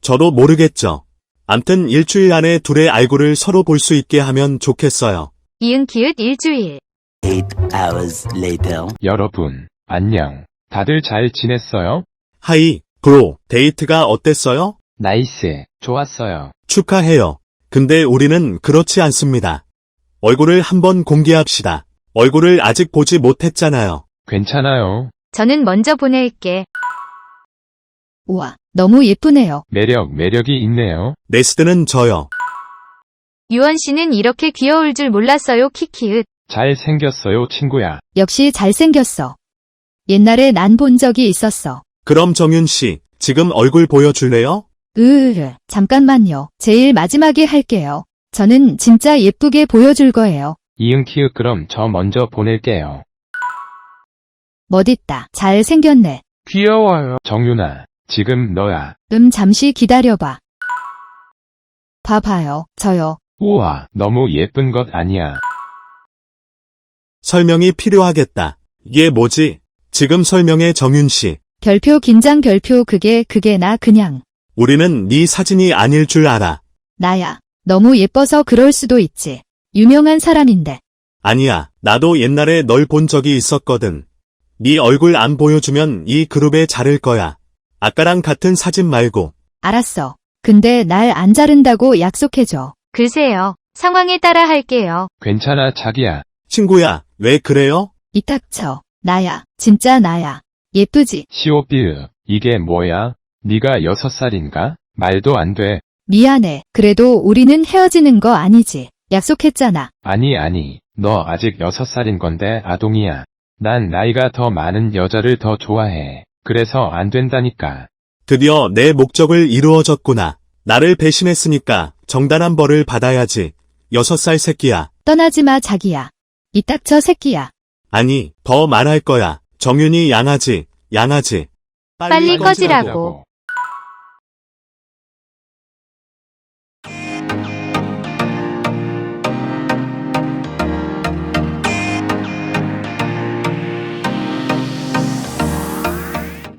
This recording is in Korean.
저도 모르겠죠. 암튼 일주일 안에 둘의 얼굴을 서로 볼 수 있게 하면 좋겠어요. 이응 기읒 일주일. 8 hours later. 여러분, 안녕. 다들 잘 지냈어요? 하이, 브로, 데이트가 어땠어요? 나이스. 좋았어요. 축하해요. 근데 우리는 그렇지 않습니다. 얼굴을 한번 공개합시다. 얼굴을 아직 보지 못했잖아요. 괜찮아요. 저는 먼저 보낼게. 우와, 너무 예쁘네요. 매력이 있네요. 네스트는 저요. 유원 씨는 이렇게 귀여울 줄 몰랐어요. 키키읒. 잘생겼어요, 친구야. 역시 잘생겼어. 옛날에 난 본 적이 있었어. 그럼 정윤 씨, 지금 얼굴 보여줄래요? 잠깐만요. 제일 마지막에 할게요. 저는 진짜 예쁘게 보여줄 거예요. 이응 키읔 그럼 저 먼저 보낼게요. 멋있다. 잘생겼네. 귀여워요. 정윤아, 지금 너야. 잠시 기다려봐. 봐봐요. 저요. 우와, 너무 예쁜 것 아니야. 설명이 필요하겠다. 이게 뭐지? 지금 설명해 정윤 씨. 별표 긴장 별표 그게 나 그냥. 우리는 네 사진이 아닐 줄 알아. 나야. 너무 예뻐서 그럴 수도 있지. 유명한 사람인데. 아니야, 나도 옛날에 널 본 적이 있었거든. 네 얼굴 안 보여주면 이 그룹에 자를 거야. 아까랑 같은 사진 말고. 알았어. 근데 날 안 자른다고 약속해줘. 글쎄요. 상황에 따라 할게요. 괜찮아, 자기야. 친구야, 왜 그래요? 이 닥쳐. 나야. 진짜 나야. 예쁘지? 시오피으, 이게 뭐야? 네가 6살인가? 말도 안 돼. 미안해. 그래도 우리는 헤어지는 거 아니지. 약속했잖아. 아니. 너 아직 6살인 건데 아동이야. 난 나이가 더 많은 여자를 더 좋아해. 그래서 안 된다니까. 드디어 내 목적을 이루어졌구나. 나를 배신했으니까 정당한 벌을 받아야지. 6살 새끼야. 떠나지 마, 자기야. 이 닥쳐, 새끼야. 아니, 더 말할 거야. 정윤이 양아지. 빨리 꺼지라고.